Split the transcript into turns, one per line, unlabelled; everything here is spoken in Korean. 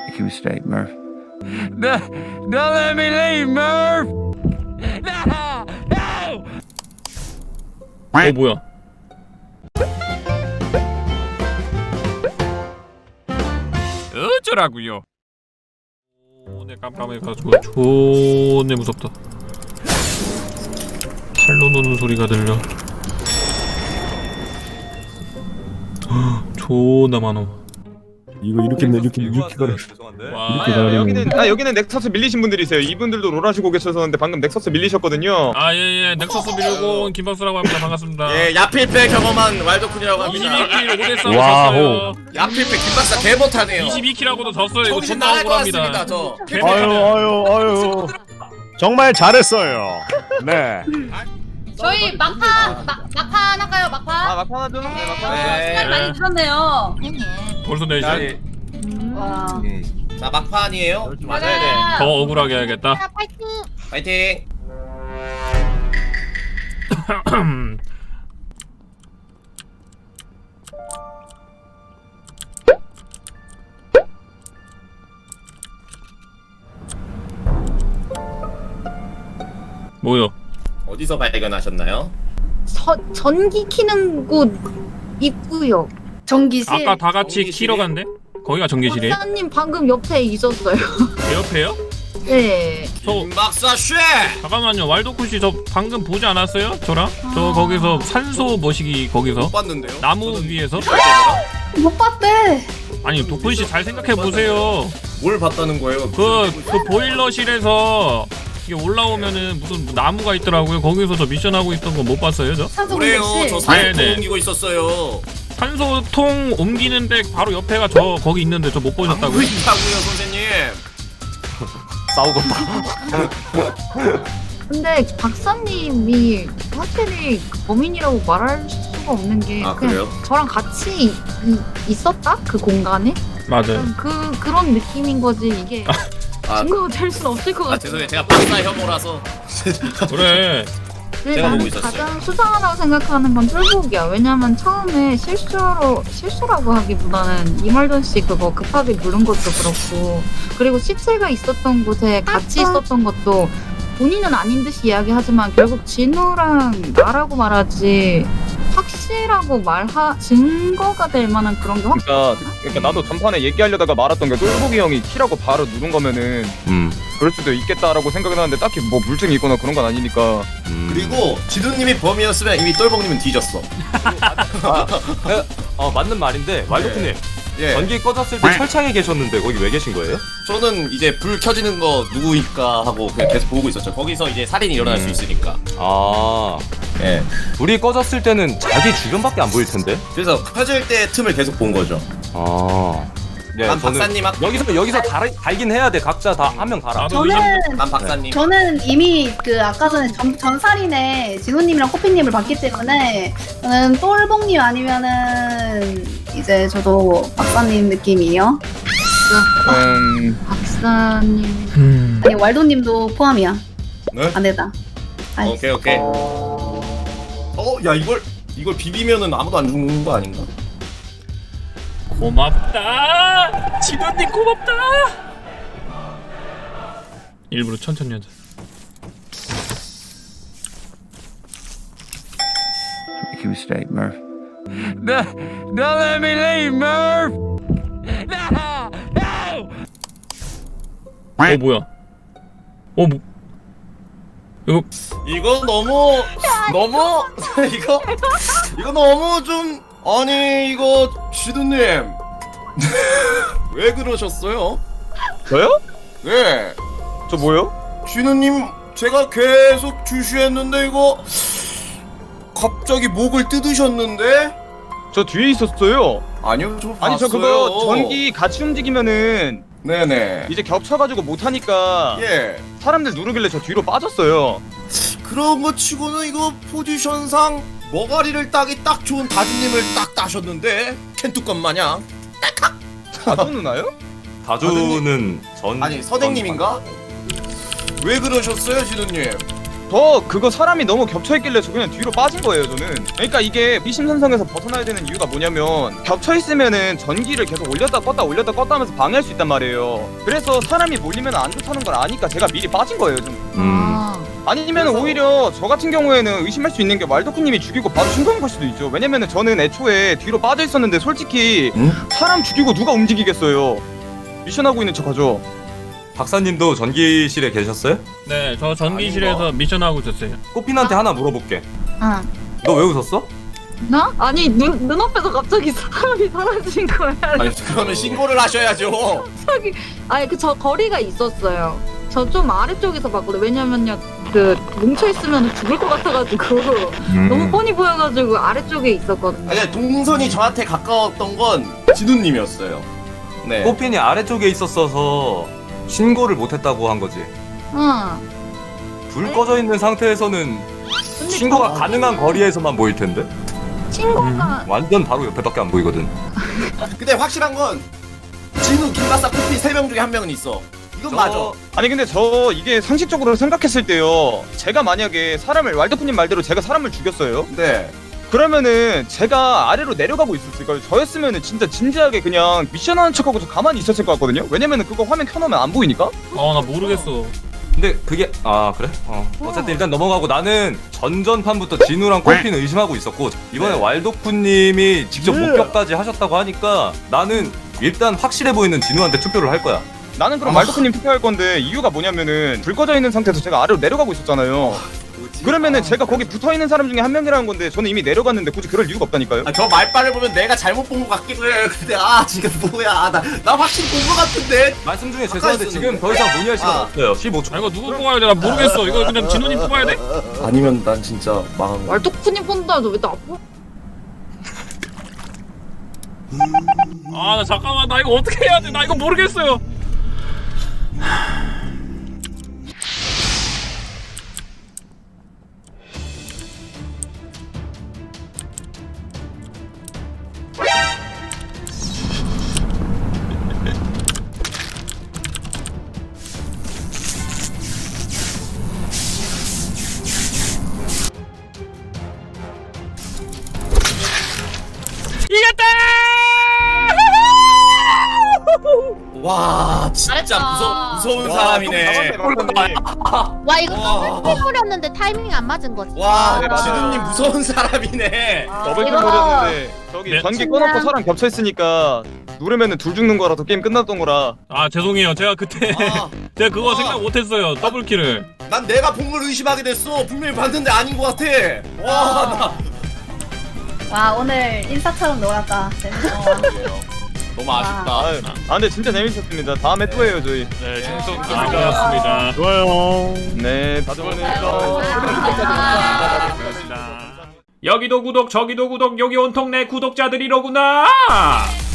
Make a mistake, Murph. No, don't let me leave, Murph! No! No!
뭐야? 어쩌라고요? 내 깜깜해가지고 존내 무섭다. 칼로 노는 소리가 들려. 존나 많어.
이거 이렇게 가라.
와.
이렇게 가라.
여기는 넥서스 밀리신 분들이세요. 이분들도 롤하시고 계셨었는데 방금 넥서스 밀리셨거든요.
아 예예 넥서스 밀고 온 김박수라고 합니다. 반갑습니다.
예, 야필패 경험한 왈도쿤이라고 합니다.
22킬 5대3
와호.
졌어요.
야필패 김박사 개 못하네요.
22킬하고도 졌어요. 이거
정신
존나
나갈 것
억울합니다.
같습니다. 저.
아유. 정말 잘했어요. 네.
저희 막판 할까요? 막판?
막판 하죠. 네, 막판.
네.
시간 많이 들었네요.
벌써 4시.
와.
자, 막판이에요.
맞아야
더 억울하게 해야겠다.
파이팅.
뭐요?
어디서 발견하셨나요?
전기 키는 곳 있고요.
전기실.
아까 다 같이
전기실이?
키러 간대? 거기가 전기실이에요?
박사님 방금 옆에 있었어요.
제 옆에요?
네.
김박사 쉐.
잠깐만요. 왈도쿠씨 저 방금 보지 않았어요? 저랑? 저 거기서 산소 머시기 거기서
못 봤는데요.
나무
저는
위에서?
못 봤대.
아니 도쿤씨 잘 생각해 보세요.
뭘 봤다는 거예요?
그 보일러실에서 이게 올라오면은 무슨 나무가 있더라고요. 거기서 저 미션 하고 있던 거 못 봤어요, 저?
산소
그래요. 저
공격실.
산소
네네.
옮기고 있었어요.
산소통 옮기는데 바로 옆에가 저 거기 있는데 저 못
안
보셨다고요?
보인다고요, 선생님.
근데 박사님이 확실히 범인이라고 말할 수가 없는 게
아,
그냥
그래요?
저랑 같이 있었다? 그 공간에?
맞아요.
그런 느낌인 거지 이게 증거가 될 수는 없을 것
아,
같아.
죄송해요. 제가 박사 혐오라서.
그래.
근데
제가
나는
보고 있었어요.
가장 수상하다고 생각하는 건 쫄복이야. 왜냐면 처음에 실수라고 하기보다는 이말돈 씨 그거 급하게 누른 것도 그렇고, 그리고 시체가 있었던 곳에 같이 있었던 것도 본인은 아닌 듯이 이야기하지만 결국 진우랑 나라고 말하지 확실하고 증거가 될 만한 그런 게
그러니까 나도 전판에 얘기하려다가 말았던 게 똘보기 형이 키라고 바로 누른 거면은 그럴 수도 있겠다라고 생각을 하는데 딱히 뭐 물증이 있거나 그런 건 아니니까.
그리고 지두님이 범이었으면 이미 똘봉님은 뒤졌어.
맞는 말인데 왈도쿠님
예.
전기 꺼졌을 때 철창에 계셨는데 거기 왜 계신 거예요?
저는 이제 불 켜지는 거 누구일까 하고 그냥 계속 보고 있었죠. 거기서 이제 살인이 일어날 수 있으니까.
아
예.
불이 꺼졌을 때는 자기 주변밖에 안 보일 텐데.
그래서 켜질 때 틈을 계속 본 거죠.
네,
난
저는
박사님
여기서 달긴 해야 돼. 각자 다 한 명 달아.
나도
난 박사님.
저는 이미 그 아까 전에 전살인에 진우님이랑 코피님을 봤기 때문에 저는 똘봉님 아니면은 이제 저도 박사님 느낌이에요.
박사님.
아니 왈도님도 포함이야.
네?
안되다.
오케이. 야 이걸 비비면은 아무도 안 죽는 거 아닌가?
고맙다. 지도님 고맙다. 일부러 천천히 하자.
Make a mistake, Murph. No, don't let me leave, Murph! No! No!
뭐야?
이거 너무 이거 너무 좀 아니 이거 지두님 왜 그러셨어요?
저요?
네.
저 뭐요?
지두님 제가 계속 주시했는데 이거 갑자기 목을 뜯으셨는데?
저 뒤에 있었어요.
아니요 저
아니 저
봤어요.
그거 전기 같이 움직이면은
네네.
이제 겹쳐가지고 못하니까
예.
사람들 누르길래 저 뒤로 빠졌어요.
그런 거 치고는 이거 포지션상 머가리를 따기 딱 좋은 다주님을 딱 따셨는데 캔뚜껑 마냥.
다주 누나요?
다주는 전
아니 선생님인가? 왜 그러셨어요 지두님?
저 그거 사람이 너무 겹쳐있길래 저 그냥 뒤로 빠진 거예요 저는. 그러니까 이게 미심선성에서 벗어나야 되는 이유가 뭐냐면 겹쳐있으면은 전기를 계속 올렸다 껐다 하면서 방해할 수 있단 말이에요. 그래서 사람이 몰리면 안 좋다는 걸 아니까 제가 미리 빠진 거예요 좀. 아니면 오히려 저 같은 경우에는 의심할 수 있는 게 왈도쿠님이 죽이고 바로 신고한 걸 수도 있죠. 왜냐면은 저는 애초에 뒤로 빠져 있었는데 솔직히 사람 죽이고 누가 움직이겠어요. 미션하고 있는 척하죠.
박사님도 전기실에 계셨어요?
네, 저 전기실에서 미션하고 있었어요.
꽃핀한테 하나 물어볼게.
응.
너 왜 웃었어?
나? 아니 눈앞에서 갑자기 사람이 사라진 거야.
아니 그거는 신고를 하셔야죠.
갑자기 아니 그 저 거리가 있었어요. 저 좀 아래쪽에서 봤거든. 왜냐면요 그 뭉쳐 있으면 죽을 것 같아가지고 너무 뻔히 보여가지고 아래쪽에 있었거든요.
아니 동선이 저한테 가까웠던 건 진우님이었어요. 네.
꽃핀이 아래쪽에 있었어서 신고를 못했다고 한 거지.
응.
불 꺼져 있는 상태에서는 신고가 가능한 거리에서만 보일 텐데.
친구가
완전 바로 옆에밖에 안 보이거든.
근데 확실한 건 진우, 김바사, 코피 3명 중에 한 명은 있어. 이건 맞아.
아니 근데 저 이게 상식적으로 생각했을 때요. 제가 만약에 사람을 왈도쿠님 말대로 제가 사람을 죽였어요.
네.
그러면은 제가 아래로 내려가고 있었을까요? 저였으면은 진짜 진지하게 그냥 미션하는 척하고 저 가만히 있었을 것 같거든요. 왜냐면은 그거 화면 켜놓으면 안 보이니까.
나 모르겠어.
근데 그게 그래? 어쨌든 일단 넘어가고 나는 전전판부터 진우랑 꽃핀을 의심하고 있었고 이번에 왈도쿠님이 직접 목격까지 하셨다고 하니까 나는 일단 확실해 보이는 진우한테 투표를 할 거야.
나는 그럼 왈도쿠님 투표할 건데 이유가 뭐냐면은 불 꺼져 있는 상태에서 제가 아래로 내려가고 있었잖아요. 그러면은 제가 거기 붙어 있는 사람 중에 한 명이라는 건데 저는 이미 내려갔는데 굳이 그럴 이유가 없다니까요.
저 말빨을 보면 내가 잘못 본 것 같기도 해. 근데 지금 뭐야? 나 확실히 본 것 같은데.
말씀 중에 죄송한데 지금 더 이상 문의할 시간 없어요. 15초.
이거 누구 뽑아야 돼? 나 모르겠어. 이거 그냥 진우님 뽑아야 돼?
아니면 난 진짜 망한 거.
왈도쿠님 본다. 너 왜 나 뽑아?
나 잠깐만. 나 이거 어떻게 해야 돼? 나 이거 모르겠어요. 이겼다!
와 진짜
잘했다.
무서운 사람이네.
와 이거 더블 뿌렸는데 타이밍이 안 맞은 거지.
와
네, 맞아요.
진우님 무서운 사람이네.
더블킬
이거-
노렸는데 저기
네.
전기 꺼놓고 사람 겹쳐 있으니까 누르면은 둘 죽는 거라서 게임 끝났던 거라.
죄송해요. 제가 그때 제가 그거
아.
생각 못했어요. 더블킬을.
난 내가 본 걸 의심하게 됐어. 분명히 봤는데 아닌 것 같아. 와
와 오늘 인사처럼 놀았다.
너무 아쉽다.
근데 진짜 재밌었습니다. 다음에 또 해요 저희.
네, 진성 좋았습니다.
좋아요.
네, 다들 오늘
여기도 구독, 저기도 구독, 여기 온통 내 구독자들이로구나.